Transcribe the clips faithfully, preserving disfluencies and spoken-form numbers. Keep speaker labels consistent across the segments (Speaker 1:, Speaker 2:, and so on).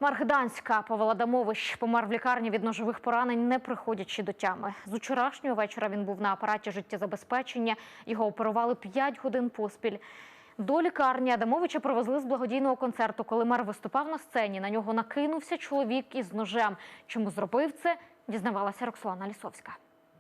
Speaker 1: Мер Гданська Павел Адамович помер в лікарні від ножових поранень, не приходячи до тями. З вчорашнього вечора він був на апараті життєзабезпечення. Його оперували п'ять годин поспіль. До лікарні Адамовича привезли з благодійного концерту. Коли мер виступав на сцені, на нього накинувся чоловік із ножем. Чому зробив це, дізнавалася Роксолана Лісовська.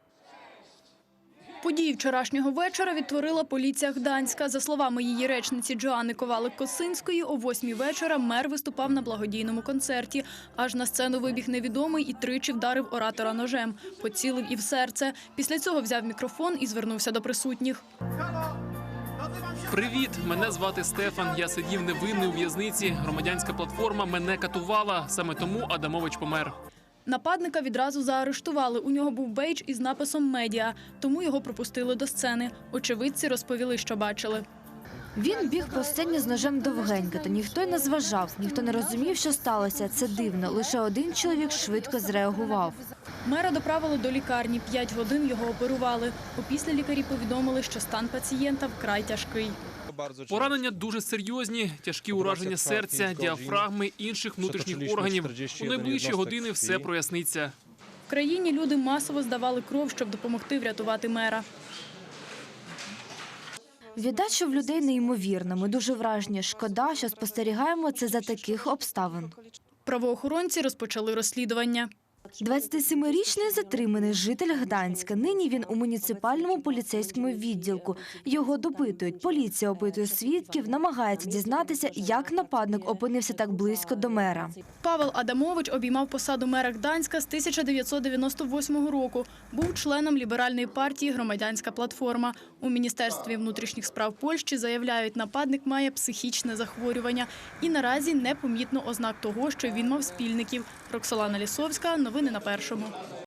Speaker 2: Події вчорашнього вечора відтворила поліція Гданська. За словами її речниці Джоанни Ковалик-Косинської, о восьмій вечора мер виступав на благодійному концерті. Аж на сцену вибіг невідомий і тричі вдарив оратора ножем. Поцілив і в серце. Після цього взяв мікрофон і звернувся до присутніх.
Speaker 3: Привіт, мене звати Стефан. Я сидів невинний у в'язниці. Громадянська платформа мене катувала. Саме тому Адамович помер.
Speaker 2: Нападника відразу заарештували. У нього був бейдж із написом «Медіа», тому його пропустили до сцени. Очевидці розповіли, що бачили.
Speaker 4: Він біг по сцені з ножем довгенько, та ніхто й не зважав, ніхто не розумів, що сталося. Це дивно. Лише один чоловік швидко зреагував.
Speaker 2: Мера доправили до лікарні. П'ять годин його оперували. Опісля лікарі повідомили, що стан пацієнта вкрай тяжкий.
Speaker 3: Поранення дуже серйозні, тяжкі ураження серця, діафрагми, інших внутрішніх органів. У найближчі години все проясниться.
Speaker 2: В країні люди масово здавали кров, щоб допомогти врятувати мера.
Speaker 4: Віддача в людей неймовірна. Ми дуже вражені. Шкода, що спостерігаємо це за таких обставин.
Speaker 2: Правоохоронці розпочали розслідування.
Speaker 4: двадцятисемирічний затриманий житель Гданська. Нині він у муніципальному поліцейському відділку. Його допитують. Поліція опитує свідків, намагається дізнатися, як нападник опинився так близько до мера.
Speaker 2: Павел Адамович обіймав посаду мера Гданська з тисяча дев'ятсот дев'яносто восьмого року. Був членом ліберальної партії «Громадянська платформа». У Міністерстві внутрішніх справ Польщі заявляють, нападник має психічне захворювання. І наразі непомітно ознак того, що він мав спільників. Роксолана Лісовська, новини на Першому.